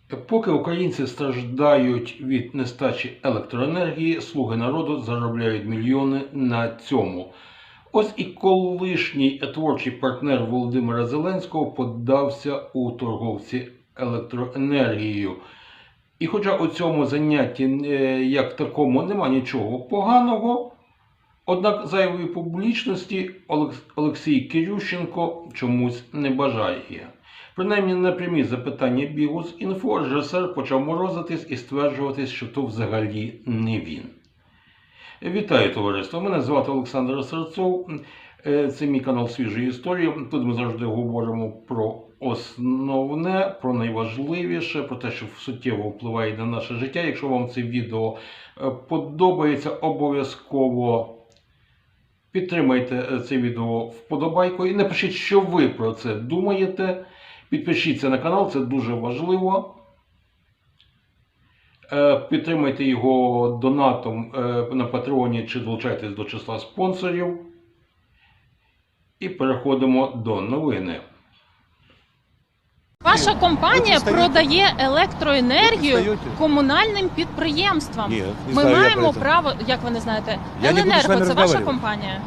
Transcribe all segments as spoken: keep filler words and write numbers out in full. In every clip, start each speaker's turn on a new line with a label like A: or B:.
A: Поки українці страждають від нестачі електроенергії, слуги народу заробляють мільйони на цьому. Ось і колишній творчий партнер Володимира Зеленського подався у торговці електроенергією. І хоча у цьому занятті як такому нема нічого поганого, однак зайвої публічності Олексій Кирющенко чомусь не бажає. Принаймні на прямі запитання Бігус.Інфо режисер почав морозитись і стверджувати, що то взагалі не він. Вітаю, товариство! Мене звати Олександр Серцов. Це мій канал «Свіжі історії». Тут ми завжди говоримо про основне, про найважливіше, про те, що суттєво впливає на наше життя. Якщо вам це відео подобається, обов'язково підтримайте це відео вподобайкою і напишіть, що ви про це думаєте. Підпишіться на канал, це дуже важливо. Підтримайте його донатом на Патреоні чи долучайтесь до числа спонсорів. І переходимо до новини.
B: Ваша компанія продає електроенергію комунальним підприємствам.
C: Ні, не
B: Ми
C: знаю я
B: маємо
C: про це.
B: право, як ви не знаєте,
C: Я не буду з
B: Еленерго
C: вами
B: це ваша
C: розмовляти.
B: компанія.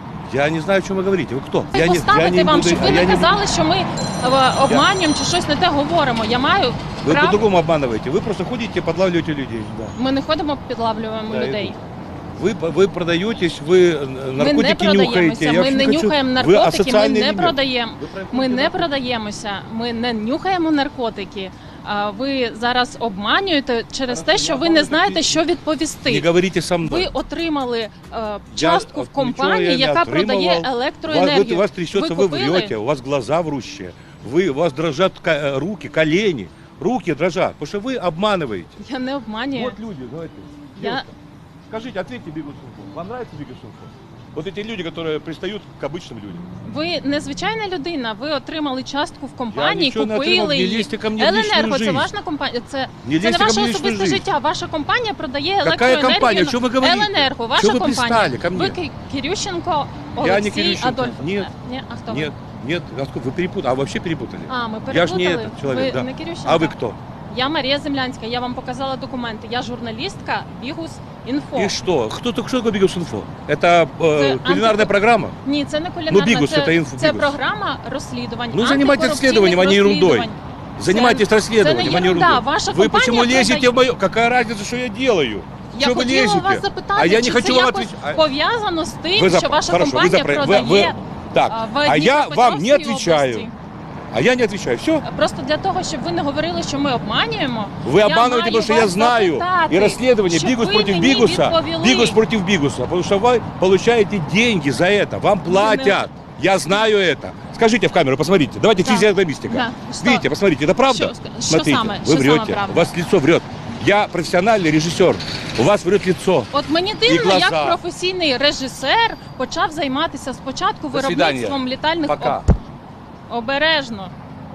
C: Я не знаю, о чем вы говорите. Вы кто?
B: Це
C: Я не,
B: поставити
C: я не
B: вам,
C: буду-
B: щоб ви
C: я
B: не
C: не
B: казали, що ми е, обманюємо чи щось не те говоримо. Я маю
C: Вы
B: право.
C: по-другому обманываете. Вы просто ходите, подлавливаете людей. Да.
B: Ми не ходимо, підлавлюємо
C: Да,
B: людей.
C: Вы, вы продаетесь, вы
B: Ми не
C: наркотики нюхаете.
B: продаємося,
C: Я
B: ми
C: вообще
B: не
C: хочу-
B: нюхаємо
C: Вы
B: наркотики, ми
C: асоциальный
B: не
C: элемент.
B: продаємо.
C: Вы про-
B: Ми не
C: про-
B: продаємося, ми не нюхаємо наркотики. А ви зараз обманюєте через те, що ви не знаєте, що
C: Не
B: відповісти.
C: говорите со мной.
B: Ви отримали е,
C: Я
B: частку в
C: от нічого
B: компанії,
C: я не
B: яка
C: отримував.
B: продає
C: У вас,
B: електроенергію.
C: вы- у вас трясется,
B: Ви
C: вы
B: купили?
C: врете, у вас глаза врущие. Вы, у вас дрожат ка- руки, колени. Руки дрожат, потому что вы обманываете.
B: Я не обманюю.
C: Вот люди, давайте.
B: Я-
C: Девушка, скажите, ответьте Бигус.Инфо. Вам нравится Бигус.Инфо? Вот эти люди, которые пристают к обычным людям.
B: Ви незвичайна людина, ви отримали частку в компанії,
C: нічого не отримав,
B: купили
C: не
B: її.
C: лізьте ко мені в
B: Еленерго,
C: лічну
B: це
C: жизнь.
B: ваша компанія, це,
C: Не
B: це
C: лізьте
B: не
C: ко
B: ваше
C: мені в лічну
B: особисте
C: жизнь.
B: життя. Ваша компанія продає
C: Какая
B: електроенергію.
C: компания? Что вы говорите?
B: Еленерго, ваша
C: Что вы
B: компанія.
C: пристали ко мне?
B: Ви Ки- Кирющенко,
C: Я не
B: Олексій,
C: Кирющенко.
B: Адольф.
C: Нет.
B: Ні, а хто ви?
C: Нет, нет, а сколько? Вы перепутали, а вообще перепутали.
B: А, ми
C: Я ж не
B: переплутали.
C: этот человек,
B: ви
C: да.
B: не Кирющенко.
C: А вы кто?
B: Я Марія Землянська, я вам показала документи. Я журналістка Бігус.Інфо.
C: И что? Кто, кто такой Бигус.Инфо? Это э,
B: Это
C: кулинарная
B: анти-
C: программа?
B: Ні, це не кулінарна,
C: Ну, Бігус
B: це,
C: це інфо-
B: це
C: Бігус.
B: програма розслідувань.
C: Ну, занимайтесь
B: антикорупційних
C: расследованием, а не ерундой.
B: розслідувань.
C: Занимайтесь расследованием,
B: це
C: а
B: не
C: не
B: ерунда.
C: ерундой.
B: Ваша
C: Вы почему
B: компания
C: лезете
B: продает-
C: в мою... Какая разница, что я делаю?
B: Я
C: Что вы
B: хотіла
C: лезете?
B: вас запитати,
C: А я не
B: чи
C: хочу
B: це
C: вам
B: якось
C: отвечать.
B: пов'язано з тим,
C: Вы за-
B: що ваша
C: Хорошо, вы
B: компанія
C: запра-
B: продає
C: вы- вы- Так,
B: а, в
C: а я вам не
B: Дніпропетровській
C: отвечаю.
B: області.
C: А я не отвечаю. Все?
B: Просто для того, щоб ви не говорили, що ми обманюємо.
C: Вы
B: я
C: обманываете,
B: маю
C: потому что
B: вас
C: я знаю.
B: запитати,
C: И расследование
B: щоб
C: Бигус
B: ви
C: против
B: мені
C: Бигуса.
B: відповіли.
C: Бигус против Бигуса. Потому что вы получаете деньги за это. Вам платят. Я знаю это. Скажите в камеру, посмотрите. Давайте
B: Да.
C: физиогномистика.
B: Да. Что?
C: Видите, посмотрите, это правда?
B: Что- что
C: Смотрите,
B: самое-
C: вы
B: что самое
C: врете.
B: правда?
C: У вас лицо врет. Я профессиональный режиссер. У вас врет лицо.
B: От мені дивно,
C: глаза.
B: як професійний режисер почав займатися спочатку
C: До свидання.
B: виробництвом літальних
C: Пока.
B: об- обережно.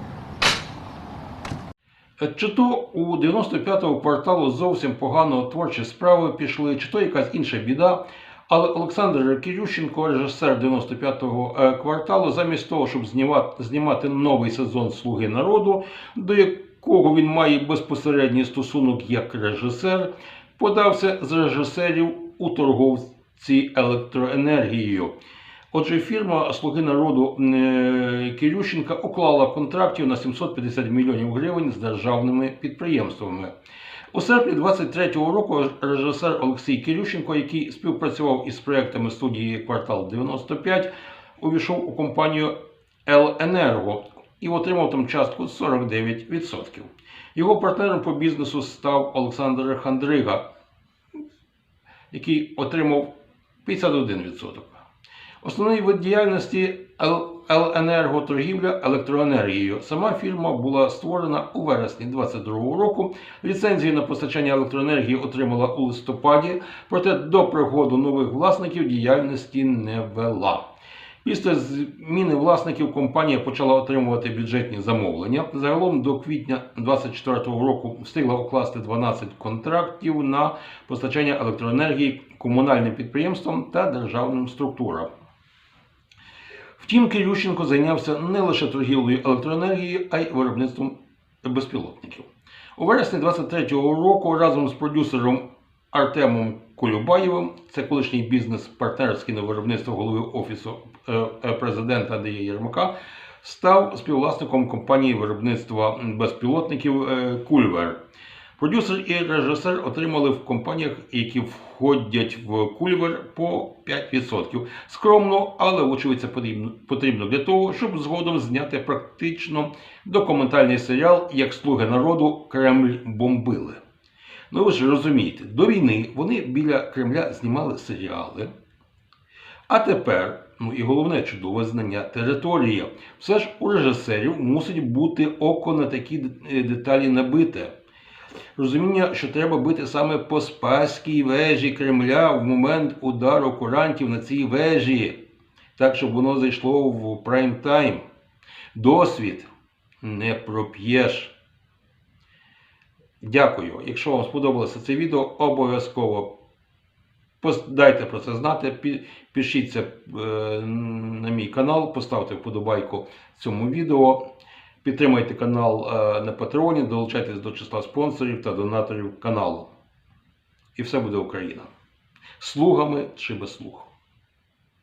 A: Чи то у дев'яносто п'ятого кварталу зовсім погано творчі справи пішли, чи то якась інша біда. Але Олександр Кирющенко, режисер дев'яносто п'ятого кварталу, замість того, щоб знімати, знімати новий сезон «Слуги народу», до якого він має безпосередній стосунок як режисер, подався з режисерів у торговці електроенергією. Отже, фірма «Слуги народу» е, Кирющенка уклала контрактів на сімсот п'ятдесят мільйонів гривень з державними підприємствами. У серпні двадцять третього року режисер Олексій Кирющенко, який співпрацював із проєктами студії «Квартал дев'яносто п'ять», увійшов у компанію «Еленерго» і отримав там частку сорок дев'ять відсотків. Його партнером по бізнесу став Олександр Хандрига, який отримав п'ятдесят один відсоток. Основний вид діяльності Еленерго – торгівля електроенергією. Сама фірма була створена у вересні двадцять другого року. Ліцензію на постачання електроенергії отримала у листопаді, проте до приходу нових власників діяльності не вела. Після зміни власників компанія почала отримувати бюджетні замовлення. Загалом до квітня двадцять четвертого року встигла укласти дванадцять контрактів на постачання електроенергії комунальним підприємствам та державним структурам. Втім, Кирющенко зайнявся не лише торгівлею електроенергією, а й виробництвом безпілотників. У вересні двадцять третього року разом з продюсером Артемом Колюбаєвим, це колишній бізнес-партнер з кіновиробництва голови Офісу е, е, президента Андрія Єрмака, став співвласником компанії виробництва безпілотників е, Кульвер. Продюсер і режисер отримали в компаніях, які входять в Кульвер, по п'ять відсотків. Скромно, але, вочевидь, це потрібно, потрібно для того, щоб згодом зняти практично документальний серіал «Як слуги народу Кремль бомбили». Ну ви ж розумієте, до війни вони біля Кремля знімали серіали, а тепер, ну і головне чудове знання території, все ж у режисерів мусить бути око на такі деталі набите. Розуміння, що треба бити саме по Спаській вежі Кремля в момент удару курантів на цій вежі, так, щоб воно зайшло в прайм-тайм. Досвід не проп'єш. Дякую. Якщо вам сподобалося це відео, обов'язково дайте про це знати, пишіться на мій канал, поставте вподобайку цьому відео, підтримайте канал на Патреоні, долучайтесь до числа спонсорів та донаторів каналу. І все буде Україна. Слугами чи без слуг.